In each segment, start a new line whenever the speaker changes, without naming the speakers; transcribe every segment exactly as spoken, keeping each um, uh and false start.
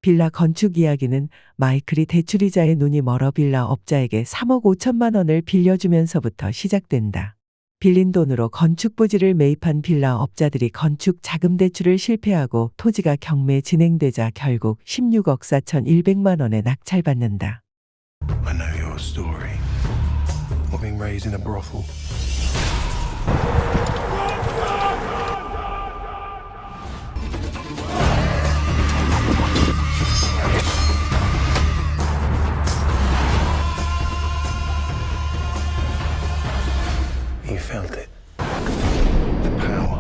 빌라 건축 이야기는 마이클이 대출이자에 눈이 멀어 빌라 업자에게 삼억 오천만 원을 빌려주면서부터 시작된다. 빌린 돈으로 건축 부지를 매입한 빌라 업자들이 건축 자금 대출을 실패하고 토지가 경매 진행되자 결국 십육억 사천백만 원에 낙찰받는다.
I know your story. Of being raised in a brothel. You felt it. The power.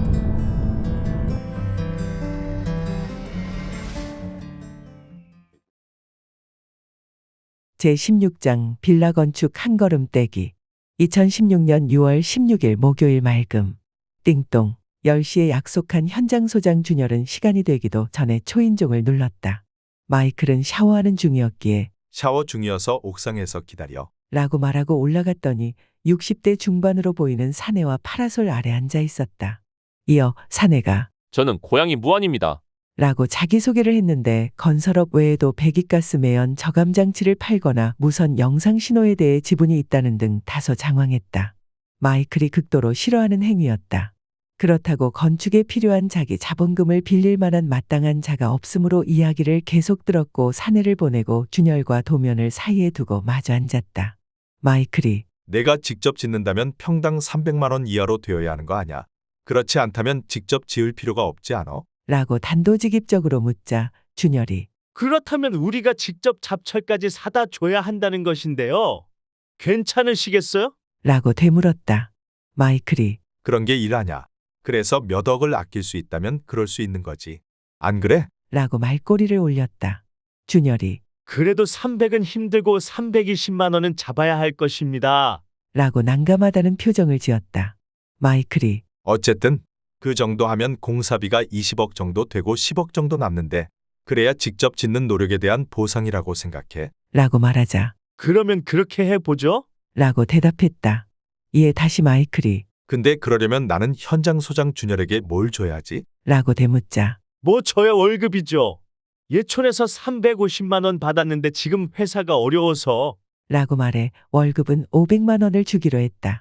제십육 장 빌라 건축 한 걸음 떼기. 이천십육 년 유월 십육일 목요일 맑음. 띵동. 열 시에 약속한 현장 소장 준열은 시간이 되기도 전에 초인종을 눌렀다. 마이클은 샤워하는 중이었기에
샤워 중이어서 옥상에서 기다려.
라고 말하고 올라갔더니 육십 대 중반으로 보이는 사내와 파라솔 아래 앉아 있었다. 이어 사내가
저는 고양이 무한입니다.
라고 자기소개를 했는데 건설업 외에도 배기가스 매연 저감장치를 팔거나 무선 영상 신호에 대해 지분이 있다는 등 다소 장황했다. 마이클이 극도로 싫어하는 행위였다. 그렇다고 건축에 필요한 자기 자본금을 빌릴 만한 마땅한 자가 없으므로 이야기를 계속 들었고 사내를 보내고 준열과 도면을 사이에 두고 마주 앉았다. 마이클이
내가 직접 짓는다면 평당 삼백만 원 이하로 되어야 하는 거 아냐? 그렇지 않다면 직접 지을 필요가 없지 않아?
라고 단도직입적으로 묻자 준열이
그렇다면 우리가 직접 잡철까지 사다 줘야 한다는 것인데요. 괜찮으시겠어요?
라고 되물었다. 마이클이
그런 게 일하냐? 그래서 몇 억을 아낄 수 있다면 그럴 수 있는 거지. 안 그래?
라고 말꼬리를 올렸다. 준열이
그래도 삼백은 힘들고 삼백이십만 원은 잡아야 할 것입니다.
라고 난감하다는 표정을 지었다. 마이클이
어쨌든 그 정도 하면 공사비가 이십억 정도 되고 십억 정도 남는데 그래야 직접 짓는 노력에 대한 보상이라고 생각해.
라고 말하자
그러면 그렇게 해보죠.
라고 대답했다. 이에 다시 마이클이
근데 그러려면 나는 현장 소장 준열에게 뭘 줘야지?
라고 되묻자
뭐 저야 월급이죠. 예촌에서 삼백오십만 원 받았는데 지금 회사가 어려워서.
라고 말해 월급은 오백만 원을 주기로 했다.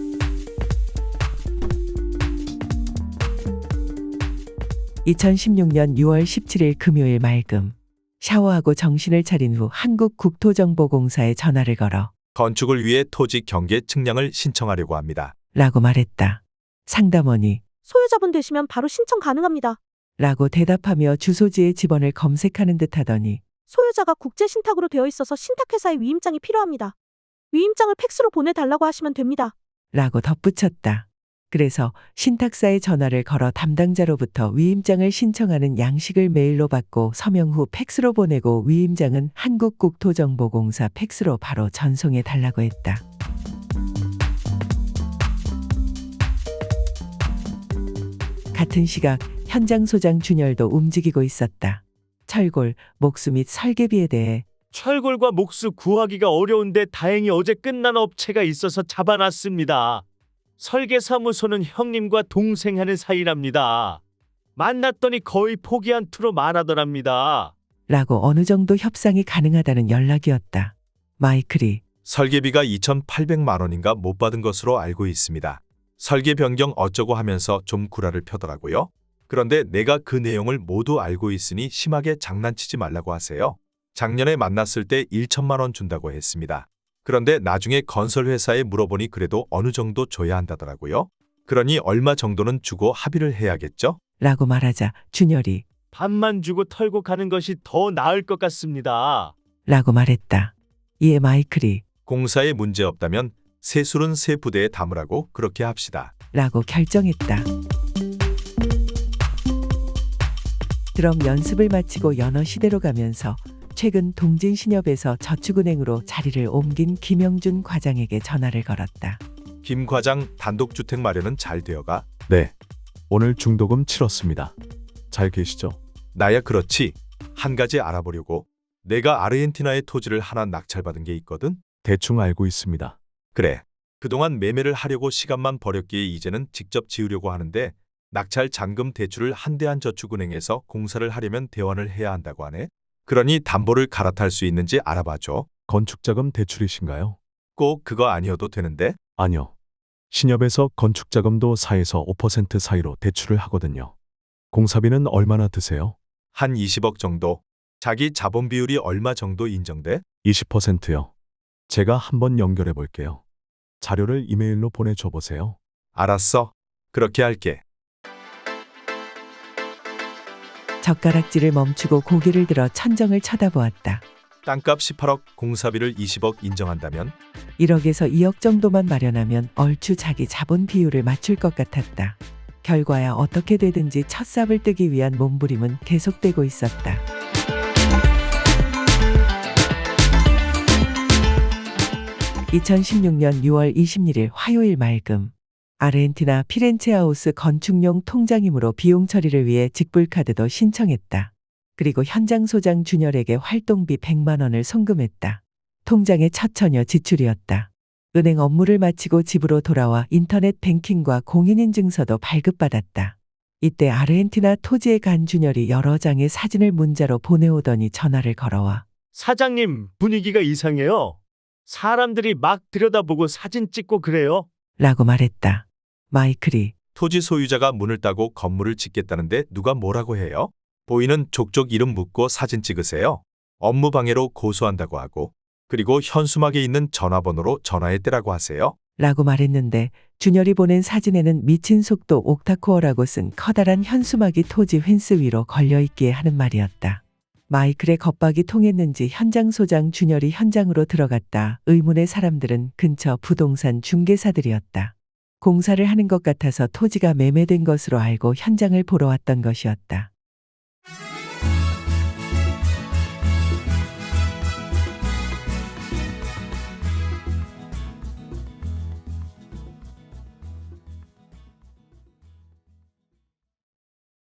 이천십육 년 유월 십칠일 금요일 맑음. 샤워하고 정신을 차린 후 한국국토정보공사에 전화를 걸어
건축을 위해 토지 경계 측량을 신청하려고 합니다.
라고 말했다. 상담원이
소유자분 되시면 바로 신청 가능합니다.
라고 대답하며 주소지의 집원을 검색하는 듯 하더니
소유자가 국제신탁으로 되어 있어서 신탁회사의 위임장이 필요합니다. 위임장을 팩스로 보내달라고 하시면 됩니다.
라고 덧붙였다. 그래서 신탁사에 전화를 걸어 담당자로부터 위임장을 신청하는 양식을 메일로 받고 서명 후 팩스로 보내고 위임장은 한국국토정보공사 팩스로 바로 전송해 달라고 했다. 같은 시각 현장 소장 준열도 움직이고 있었다. 철골, 목수 및 설계비에 대해
철골과 목수 구하기가 어려운데 다행히 어제 끝난 업체가 있어서 잡아놨습니다. 설계사무소는 형님과 동생 하는 사이랍니다. 만났더니 거의 포기한 투로 말하더랍니다.
라고 어느 정도 협상이 가능하다는 연락이었다. 마이클이
설계비가 이천팔백만 원인가 못 받은 것으로 알고 있습니다. 설계 변경 어쩌고 하면서 좀 구라를 펴더라고요. 그런데 내가 그 내용을 모두 알고 있으니 심하게 장난치지 말라고 하세요. 작년에 만났을 때 천만 원 준다고 했습니다. 그런데 나중에 건설회사에 물어보니 그래도 어느 정도 줘야 한다더라고요. 그러니 얼마 정도는 주고 합의를 해야겠죠?
라고 말하자 준열이
반만 주고 털고 가는 것이 더 나을 것 같습니다.
라고 말했다. 이에 마이클이
공사에 문제 없다면 세술은 세 부대에 담으라고 그렇게 합시다.
라고 결정했다. 드럼 연습을 마치고 연어 시대로 가면서 최근 동진신협에서 저축은행으로 자리를 옮긴 김영준 과장에게 전화를 걸었다.
김 과장, 단독주택 마련은 잘 되어가?
네. 오늘 중도금 치렀습니다. 잘 계시죠?
나야 그렇지. 한 가지 알아보려고. 내가 아르헨티나의 토지를 하나 낙찰받은 게 있거든?
대충 알고 있습니다.
그래. 그동안 매매를 하려고 시간만 버렸기에 이제는 직접 지으려고 하는데 낙찰 잔금 대출을 한대한저축은행에서 공사를 하려면 대환을 해야 한다고 하네. 그러니 담보를 갈아탈 수 있는지 알아봐줘.
건축자금 대출이신가요?
꼭 그거 아니어도 되는데?
아니요. 신협에서 건축자금도 사에서 오 퍼센트 사이로 대출을 하거든요. 공사비는 얼마나 드세요?
한 이십억 정도. 자기 자본 비율이 얼마 정도 인정돼?
이십 퍼센트요. 제가 한번 연결해 볼게요. 자료를 이메일로 보내줘 보세요.
알았어. 그렇게 할게.
젓가락질을 멈추고 고개를 들어 천정을 쳐다보았다.
땅값 십팔억, 공사비를 이십억 인정한다면?
일억에서 이억 정도만 마련하면 얼추 자기 자본 비율을 맞출 것 같았다. 결과야 어떻게 되든지 첫 삽을 뜨기 위한 몸부림은 계속되고 있었다. 이천십육년 유월 이십일일 화요일 맑음. 아르헨티나 피렌체하우스 건축용 통장이므로 비용 처리를 위해 직불카드도 신청했다. 그리고 현장 소장 준열에게 활동비 백만 원을 송금했다. 통장의 첫 처녀 지출이었다. 은행 업무를 마치고 집으로 돌아와 인터넷 뱅킹과 공인인증서도 발급받았다. 이때 아르헨티나 토지에 간 준열이 여러 장의 사진을 문자로 보내오더니 전화를 걸어와
사장님, 분위기가 이상해요. 사람들이 막 들여다보고 사진 찍고 그래요.
라고 말했다. 마이클이
토지 소유자가 문을 따고 건물을 짓겠다는데 누가 뭐라고 해요? 보이는 족족 이름 묻고 사진 찍으세요. 업무 방해로 고소한다고 하고, 그리고 현수막에 있는 전화번호로 전화했대라고 하세요.
라고 말했는데 준열이 보낸 사진에는 미친 속도 옥타코어라고 쓴 커다란 현수막이 토지 펜스 위로 걸려있기에 하는 말이었다. 마이클의 겁박이 통했는지 현장 소장 준열이 현장으로 들어갔다. 의문의 사람들은 근처 부동산 중개사들이었다. 공사를 하는 것 같아서 토지가 매매된 것으로 알고 현장을 보러 왔던 것이었다.